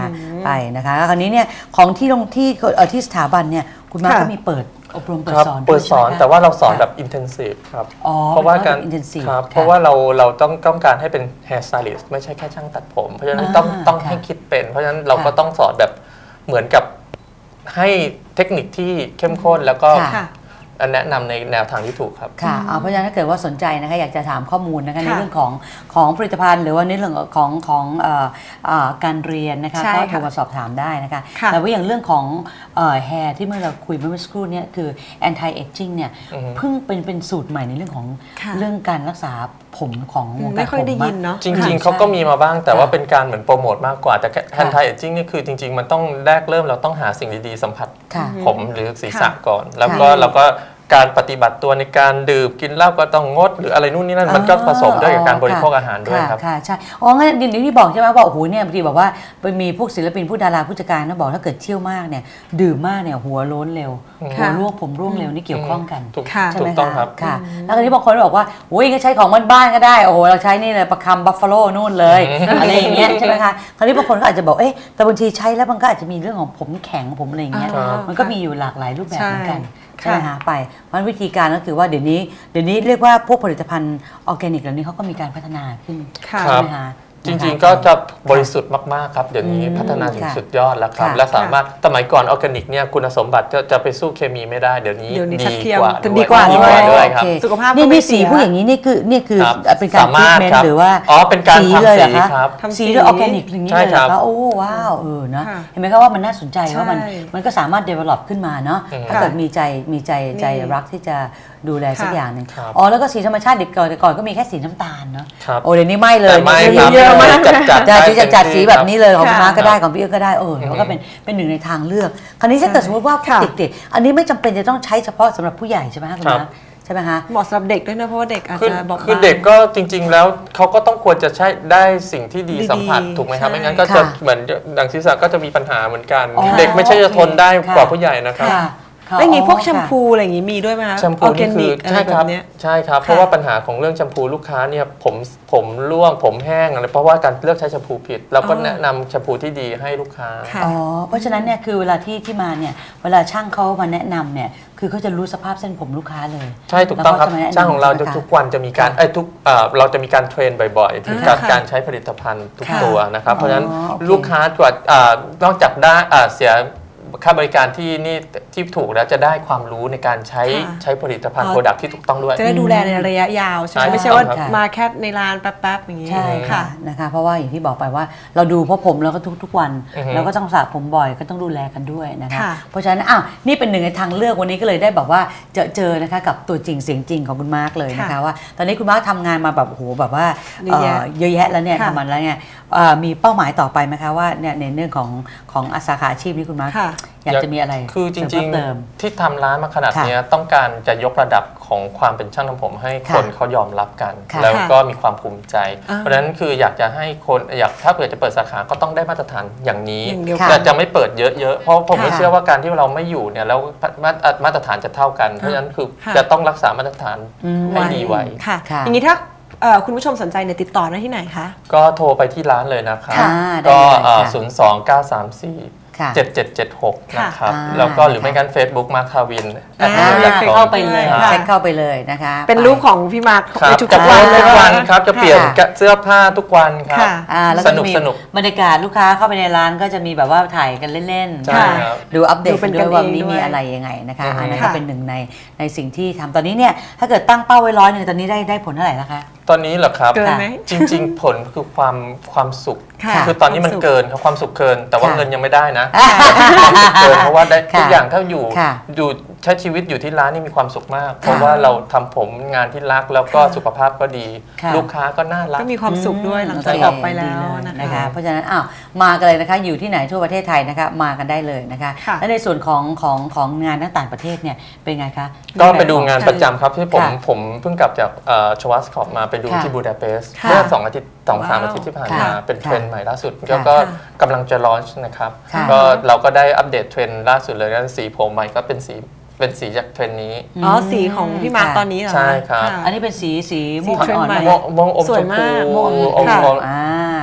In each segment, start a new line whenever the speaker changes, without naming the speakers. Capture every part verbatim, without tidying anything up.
ไปนะคะแล้วคราวนี้เนี่ยของที่ลงที่ที่สถาบันเนี่ยคุณมาก็มีเปิดอบรมเปิดสอน
เปิดสอนแต่ว่าเราสอนแบบ intensive ครับเพราะว่าการครับเพราะว่าเราเราต้องต้องการให้เป็น hair stylist ไม่ใช่แค่ช่างตัดผมเพราะฉะนั้นต้องต้องให้คิดเป็นเพราะฉะนั้นเราก็ต้องสอนแบบเหมือนกับให้เทคนิคที่เข้มข้นแล้วก็แนะนำในแนวทางที่ถูกครับ
ค่ะเพราะฉะนั้นถ้าเกิดว่าสนใจนะคะอยากจะถามข้อมูลนะคะในเรื่องของของผลิตภัณฑ์หรือว่าในเรื่องของของการเรียนนะคะก็โทรมาสอบถามได้นะคะแต่ว่าอย่างเรื่องของแฮร์ที่เมื่อเราคุยเมื่อสักครู่นี้คือ anti aging เนี่ยเพิ่งเป็นเป็นสูตรใหม่ในเรื่องของเรื่องการรักษาผมของวงการผมไม่ค่อยได้ยิน
เนาะจริงๆเขาก็มีมาบ้างแต่ว่าเป็นการเหมือนโปรโมทมากกว่าแต่ anti aging นี่คือจริงๆมันต้องแรกเริ่มเราต้องหาสิ่งดีๆสัมผัสผมหรือศีรษะก่อนแล้วก็เราก็การปฏิบัติตัวในการดื่มกินเหล้าก็ต้องงดหรืออะไรนู่นนี่นั่นมันก็ผสมด้วยกับการบริโภคอาหารด้วยครับ
ค่ะใช่อ๋องั้นอย่างที่บอกใช่ไหมว่าโอ้โหเนี่ยบางทีบอกว่าไปมีพวกศิลปินผู้ดาราผู้จัดการนะบอกถ้าเกิดเที่ยวมากเนี่ยดื่มมากเนี่ยหัวโล้นเร็วหัวร่วงผมร่วงเร็วนี่เกี่ยวข้องกัน
ใช่ไหมคะ
ค่ะแล้วทีนี้บางคนบอกว่าโอ้ยก็ใช้ของบ้านๆก็ได้โอ้โหเราใช้นี่เลยประคำบัฟฟาโลนู่นเลยอะไรอย่างเงี้ยใช่ไหมคะคราวนี้บางคนก็อาจจะบอกเอ๊ะแต่บางทีใช้แล้วมันก็อาจจะมีเรื่องของผมแข็งผมอะไรอย่างเงี้ยมันก็มีอยู่หลากหลายรูปแบบเหมือนกันใช่ไหมคะไปมันวิธีการก็คือว่าเดี๋ยวนี้เดี๋ยวนี้เรียกว่าพวกผลิตภัณฑ์ออร์แกนิกเหล่านี้เขาก็มีการพัฒนาขึ้นใช่ไหมคะ
จริงๆก็จะบริสุทธิ์มากๆครับเดี๋ยวนี้พัฒนาถึงสุดยอดแล้วครับและสามารถสมัยก่อนออร์แกนิกเนี่ยคุณสมบัติจะไปสู้เคมีไม่ได้เดี๋ยวนี้ดีกว่า
ดีกว่า
ด้วยครับ
สุขภาพ
นี่นี่สีผู้อย่างนี้นี่คือนี่คือเป็นการทรีทเมนต์หรือว่า
อ๋อเป็นการทำสีครับ
สีด้วยออร์แกนิกอย่างนี้เลยค่ะโอ้ว้าวเออนะเห็นไหมครับว่ามันน่าสนใจว่ามันมันก็สามารถ develop ขึ้นมาเนาะถ้าเกิดมีใจมีใจใจรักที่จะดูแลสักอย่างหนึ่งอ๋อแล้วก็สีธรรมชาติเด็กก่อนแต่ก่อนก็มีแค่สีน้ำตาลเนาะโอ้เดี๋ยวนี้ไม่เลย
เยอะมาก
จัดจัดจัดจัดสีแบบนี้เลยของพี่มาร์ก็ได้ของพี่เอ๋ก็ได้เออแล้วก็เป็นเป็นหนึ่งในทางเลือกคราวนี้ถ้าเกิดสมมติว่าเด็กๆอันนี้ไม่จำเป็นจะต้องใช้เฉพาะสำหรับผู้ใหญ่ใช่ไหมคะคุณมาร์ใช่ไหมคะ
เหมาะสำหรับเด็กด้วยนะเพราะว่าเด็กอาจจะบอก
คือเด็กก็จริงๆแล้วเขาก็ต้องควรจะใช้ได้สิ่งที่ดีสัมผัสถูกไหมครับไม่งั้นก็จะเหมือนดังศีรษะก็จะมีปัญหาเหมือนกันเด็กไม่ใช่จะทนได้กว่าผู้ใหญ่นะครับ
แล้วอย่างนี้พวกแชมพูอะไรอย่างนี้มีด้วยไหมคะ
แชมพูนี่คือใช่ครับใช่ครับเพราะว่าปัญหาของเรื่องแชมพูลูกค้าเนี่ยผมผมร่วงผมแห้งอะไรเพราะว่าการเลือกใช้แชมพูผิดเราก็แนะนำแชมพูที่ดีให้ลูกค้า
อ๋อเพราะฉะนั้นเนี่ยคือเวลาที่ที่มาเนี่ยเวลาช่างเขามาแนะนำเนี่ยคือเขาจะรู้สภาพเส้นผมลูกค้าเลย
ใช่ถูกต้องครับช่างของเราทุกวันจะมีการไอ้ทุกเราจะมีการเทรนบ่อยๆถึงการการใช้ผลิตภัณฑ์ทุกตัวนะครับเพราะฉะนั้นลูกค้ากว่านอกจากได้เสียค่าบริการที่นี่ที่ถูกแล้วจะได้ความรู้ในการใช้ใช้ผลิตภัณฑ์โปรดักที่ถูกต้องด้วย
จะได้ดูแลในระยะยาวใช่ไหมไม่ใช่ว่ามาแค่ในร้านแป๊บๆอย่างนี้
ใช่ค่ะนะคะเพราะว่าอย่างที่บอกไปว่าเราดูเพราะผมเราก็ทุกๆวันเราก็ต้องสระผมบ่อยก็ต้องดูแลกันด้วยนะคะเพราะฉะนั้นอ้าวนี่เป็นหนึ่งในทางเลือกวันนี้ก็เลยได้แบบว่าเจอเจอนะคะกับตัวจริงเสียงจริงของคุณมาร์กเลยนะคะว่าตอนนี้คุณมาร์กทำงานมาแบบโอ้โหแบบว่าเยอะแยะแล้วเนี่ยทำมาแล้วเนี่ยมีเป้าหมายต่อไปไหมคะว่าเนี่ยในเรื่องของของสาขาอาชีพนี้คุณมาร์กอยากจะมีอะไร
คือจริงๆที่ทำร้านมาขนาดนี้ต้องการจะยกระดับของความเป็นช่างทำผมให้คนเขายอมรับกันแล้วก็มีความภูมิใจเพราะฉะนั้นคืออยากจะให้คนอยากถ้าเกิดจะเปิดสาขาก็ต้องได้มาตรฐานอย่างนี้แต่จะไม่เปิดเยอะๆเพราะผมไม่เชื่อว่าการที่เราไม่อยู่เนี่ยแล้วมาตรฐานจะเท่ากันเพราะฉะนั้นคือจะต้องรักษามาตรฐานให้ดีไว้
ค่ะอย่างนี้ถ้าคุณผู้ชมสนใจเนี่ยติดต่อได้ที่ไหนคะ
ก็โทรไปที่ร้านเลยนะครับก็ศูนย์ สอง เก้า สาม สี่ เจ็ด เจ็ด เจ็ด หกนะครับแล้วก็หรือไม่งั้น Facebook มาร์คทาวิน
เข้าไปเลยเช็คเข้าไปเลยนะคะ
เป็นรูปของพี่มาร์ค
ทุกวันทุกวันครับจะเปลี่ยนเสื้อผ้าทุกวันครับสนุกสนุก
บรรยากาศลูกค้าเข้าไปในร้านก็จะมีแบบว่าถ่ายกันเล่นๆดูอัปเดตด้วยว่านี้มีอะไรยังไงนะคะอันนั้นก็เป็นหนึ่งในในสิ่งที่ทำตอนนี้เนี่ยถ้าเกิดตั้งเป้าไว้ร้อยหนึ่งตอนนี้ได้ได้ผลเท่าไหร่แล้วคะ
ตอนนี้เหรอครับจริงๆผลคือความความสุขคือตอนนี้มันเกินครับความสุขเกินแต่ว่าเงินยังไม่ได้นะเกินเพราะว่าได้ทุกอย่างถ้าอยู่อยู่ใช้ชีวิตอยู่ที่ร้านนี่มีความสุขมากเพราะว่าเราทำผมงานที่รักแล้วก็สุขภาพก็ดีลูกค้าก็น่ารัก
ก็มีความสุขด้วยหลังจากออกไปแล้ว
นะคะเพราะฉะนั้นอ้าวมากันเลยนะคะอยู่ที่ไหนทั่วประเทศไทยนะคะมากันได้เลยนะคะและในส่วนของของของงานต่างประเทศเนี่ยเป็นไงคะ
ก็ไปดูงานประจำครับที่ผมผมเพิ่งกลับจากชวัสคอปมาไปดูที่บูดาเปสต์เมื่อสองอาทิตย์สองสามอาทิตย์ที่ผ่านมาเป็นเทรนด์ใหม่ล่าสุดแล้วก็กำลังจะลอนช์นะครับก็เราก็ได้อัปเดตเทรนด์ล่าสุดเลยนะสีผมใหม่ก็เป็นสีเป็นสีจากเทรนนี้
อ๋อสีของพี่มาร์คตอนนี้เหรอ
ใช่ครับ
อันนี้เป็นสีสีม่วงอ่อน
ม่วงอมชมพู
ม่วงอมอ่า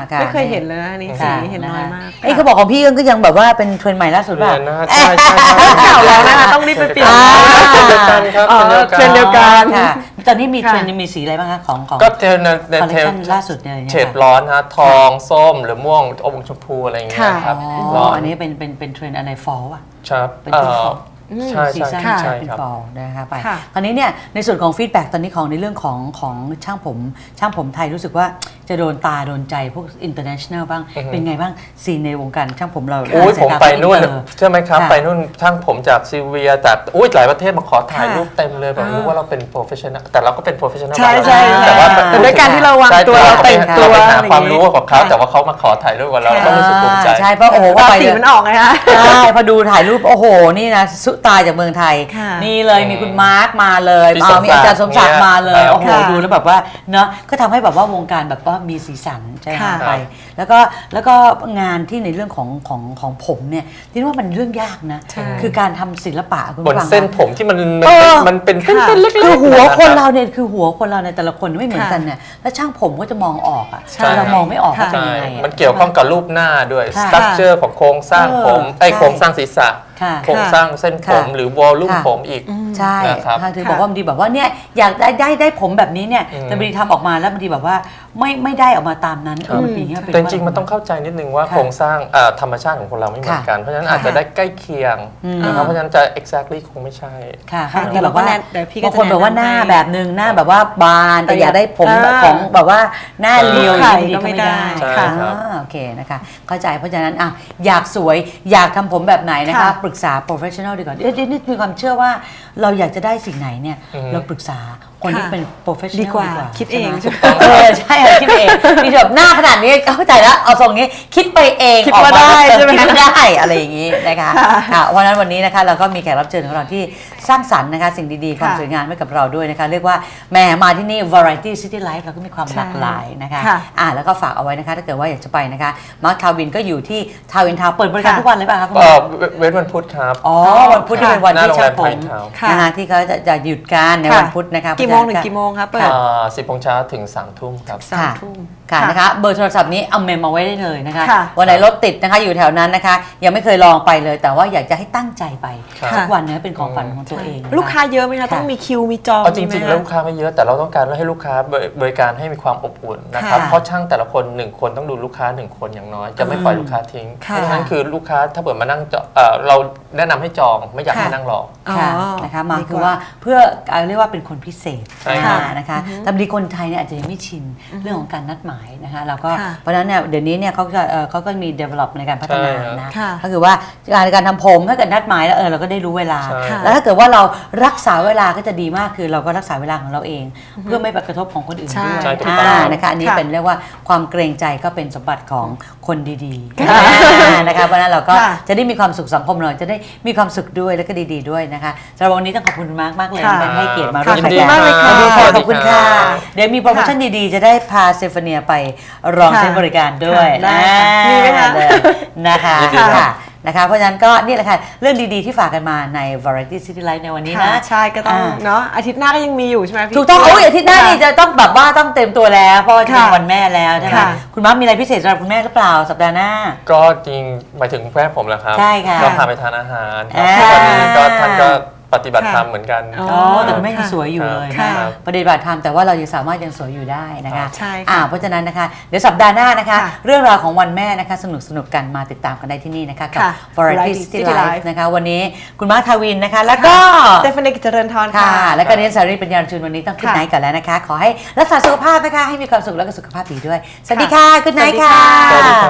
ไม่เคยเห็นเลยนะนี่สีเห็นน้อยมาก
ไอ้เขาบอกของพี่ก็ยังแบบว่าเป็นเทรนด์ใหม่ล่าสุดป่ะ
ใช่ใช่
เก่าแล้วนะคะต้องรีบไปเปลี่ยน
เทรนด์เดียวกันครับ
เทรนด์เดียวกัน
ค่ะตอนนี้มีเทรนด์มีสีอะไรบ้างคะของของ
ก็เทรนด์
คอลเลคชั่นล่าสุดเนี่ย
เฉดร้อนฮะทองส้มหรือม่วงอมชมพูอะไรอย่างเงี้ยครับ
อ๋ออันนี้เป็นเป็นเป็นเทรนด์อะไรฟอลอ่ะ
ครับ
เป็นที่ฟอล
ใช่
ซีซั่น
ใช่
เป็นฟอลนะคะไปคราวนี้เนี่ยในส่วนของฟีดแบ็กตอนนี้ของในเรื่องของของช่างผมช่างผมไทยรู้สึกว่าจะโดนตาโดนใจพวก international บ้างเป็นไงบ้างซีนในวงการช่างผมเรา
โอ้ยผมไปนู่นใช่ไหมครับไปนู่นช่างผมจากซีเวียจากอุ้ยหลายประเทศมาขอถ่ายรูปเต็มเลยแบบรู้ว่าเราเป็น professional แต่เราก็เป็น professional
ใช่ใช่
แต่ว่า
ด้วยการที่เราวางตัวเราแต่งตัว
หาความรู้ของเขาแต่ว่าเขามาขอถ่ายรูปกับเราก็รู้สึกภูมิใจ
ใช่เพราะโอ้โห
ว่าสีมันออกไงคะ
ใช่พอดูถ่ายรูปโอ้โหนี่นะสุตาจากเมืองไทยนี่เลยมีคุณมาร์คมาเลยมีอาจารย์สมศักดิ์มาเลยโอ้โหดูแล้วแบบว่าเนาะก็ทำให้แบบว่าวงการแบบว่ามีสีสันใช่ไหมไปแล้วก็แล้วก็งานที่ในเรื่องของของของผมเนี่ยที่ว่ามันเรื่องยากนะคือการทำศิลปะคุณ
บนเส้นผมที่มันมันเป็นเส้นเล็กๆ
คือหัวคนเราเนี่ยคือหัวคนเราในแต่ละคนไม่เหมือนกันเนี่ยแล้วช่างผมก็จะมองออกอ่ะเรามองไม่ออกว่าเป็นยังไง
มันเกี่ยวข้องกับรูปหน้าด้วยสตรัคเจอร์ของโครงสร้างผมไอ้โครงสร้างศีรษะโครงสร้างเส้นผมหรือวอลลุ่มผมอีก
ใช่ทางถือบอกว่าบางทีแบบว่าเนี่ยอยากได้ได้ได้ผมแบบนี้เนี่ยแต่บางทีทำออกมาแล้วบางทีแบบว่าไม่ไม่ได้ออกมาตามนั้น
มันเป็นอย่างเงี้ยแต่จริงๆมันต้องเข้าใจนิดนึงว่าโครงสร้างธรรมชาติของคนเราไม่เหมือนกันเพราะฉะนั้นอาจจะได้ใกล้เคียงนะครับเพราะฉะนั้นจะ exactly คงไม่ใช่
ค่ะที่บอกว่าบางคนบอกว่าหน้าแบบนึงหน้าแบบว่าบานแต่อยากได้ผมของแบบว่าหน้าเรียวดีก็ไม่ได้ค่ะโอเคนะคะเข้าใจเพราะฉะนั้นอ่ะอยากสวยอยากทำผมแบบไหนนะคะปรึกษา professional ดีกว่าเดี๋ยวนี่มีความเชื่อว่าเราอยากจะได้สิ่งไหนเนี่ยเราปรึกษาคนที่เป็น professional
ดีกว่าคิดเอง
เออใช่คิดเองมีแบบหน้าขนาดนี้เข้าใจแล้วเอาทรงนี้คิดไปเอง
คิดมาได้ใช่ไหม
คิดได้อะไรอย่างนี้นะคะเพราะฉะนั้นวันนี้นะคะเราก็มีแขกรับเชิญของเราที่สร้างสรรค์นะคะสิ่งดีๆความสวยงามให้กับเราด้วยนะคะเรียกว่าแม่มาที่นี่ variety city life เราก็มีความหลากหลายนะคะอ่าแล้วก็ฝากเอาไว้นะคะถ้าเกิดว่าอยากจะไปนะคะมาร์คทาวินก็อยู่ที่ทาวินทาวเปิดบริการทุกวันเลยป่ะคะคุณหมอ
เว้นวันพุธครับ
อ๋อวันพุธที่เป็นวันที่ช่างผมนะคะที่เขาจะหยุดการในวันพุธนะคะ
กี่โมงถึงกี่โมงครับเปิด
สิบโมงเช้าถึงสามทุ่มครับ
สามทุ่มค่ะนะคะเบอร์โทรศัพท์นี้เอาเมมมาไว้ได้เลยนะคะวันไหนรถติดนะคะอยู่แถวนั้นนะคะยังไม่เคยลองไปเลยแต่ว่าอยากจะให้ตั้งใจไปทุกวันนี้เป็นของฝันของตัวเอง
ลูกค้าเยอะไหมคะต้องมีคิวมีจอง
จริงๆแล้วลูกค้าไม่เยอะแต่เราต้องการให้ลูกค้าบริการให้มีความอบอุ่นนะครับเพราะช่างแต่ละคนหนึ่งคนต้องดูลูกค้าหนึ่งคนอย่างน้อยจะไม่ปล่อยลูกค้าทิ้งเพราะฉะนั้นคือลูกค้าถ้าเปิดมานั่งเราแนะนำให้จองไม่อยากให้นั่งรอ
นะคะมาคือว่าเพื่อเรียกว่าเป็นคนพิเศษนะคะแต่บางทีคนไทยเนี่ยอาจจะยังไม่ชินเรื่องของการนัดหมายนะคะแล้วก็เพราะฉะนั้นเนี่ยเดี๋ยวนี้เนี่ยเขาก็เขาก็มี develop ในการพัฒนานะก็คือว่าการการทำผมถ้าเกิดนัดหมายแล้วเออเราก็ได้รู้เวลาแล้วถ้าเกิดว่าเรารักษาเวลาก็จะดีมากคือเราก็รักษาเวลาของเราเองเพื่อไม่ไปกระทบของคนอื่นด้วยนะคะอันนี้เป็นเรียกว่าความเกรงใจก็เป็นสมบัติของคนดีๆนะคะเพราะนั้นเราก็จะได้มีความสุขสังคมเราจะได้มีความสุขด้วยแล้วก็ดีๆด้วยนะคะสำหรับวันนี้ต้องขอบคุณมากมากเลยที่ให้เกียรติมาร่วมรายการขอบคุณค่ะเดี๋ยวมีโปรโมชั่นดีๆจะได้พาเซฟเนียไปลองใช้บริการด้วย
มีไหมคะ
นะคะนะคะเพราะฉะนั้นก็นี่แหละค่ะเรื่องดีๆที่ฝากกันมาใน Variety City Life ในวันนี้นะ
ใช่ก็ต้องเนาะอาทิตย์หน้าก็ยังมีอยู่ใช่ไหมพี่
ถูกต้องโอ้ยอาทิตย์หน้านี่จะต้องแบบว่าต้องเต็มตัวแล้วเพราะจะเป็นวันแม่แล้วใช่ไหมคุณม้ามีอะไรพิเศษสำหรับคุณแม่หรือเปล่าสัปดาห์หน้า
ก็จริงหมายถึงแม่ผมแหละครับ
ใช่ค่ะ
ก็พาไปทานอาหารวันนี้ก็ท่านก็ปฏิบัติธรรมเหมือนกัน
อ๋อแต่คุณแม่ยังสวยอยู่เลยนะปฏิบัติธรรมแต่ว่าเรายังสามารถยังสวยอยู่ได้นะคะ
ใช่
ค่ะเพราะฉะนั้นนะคะเดี๋ยวสัปดาห์หน้านะคะเรื่องราวของวันแม่นะคะสนุกสนุกกันมาติดตามกันได้ที่นี่นะคะกับ Variety City Life นะคะวันนี้คุณมาร์คทาวินนะคะแล้วก็
สเตฟานี กิจเจริญธร
ค่ะแล้วก็เนสสารีปัญญาชุนวันนี้ต้องขึ้นไนท์กันแล้วนะคะขอให้รักษาสุขภาพนะคะให้มีความสุขแล้วก็สุขภาพดีด้วยสวัสดีค่ะขึ้นไนท์ค่ะ
สวัสดีครับ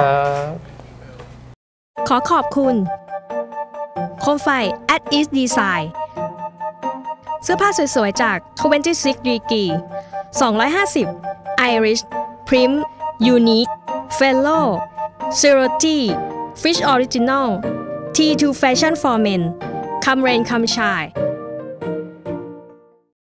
ขอขอบคุณโคมไฟ at East Design เสื้อผ้าสวยๆจากยี่สิบหก degree สองร้อยห้าสิบ Irish Prim Unique Fellow Zero G Fish Original ที ทู Fashion for Men Come Rain Come Shine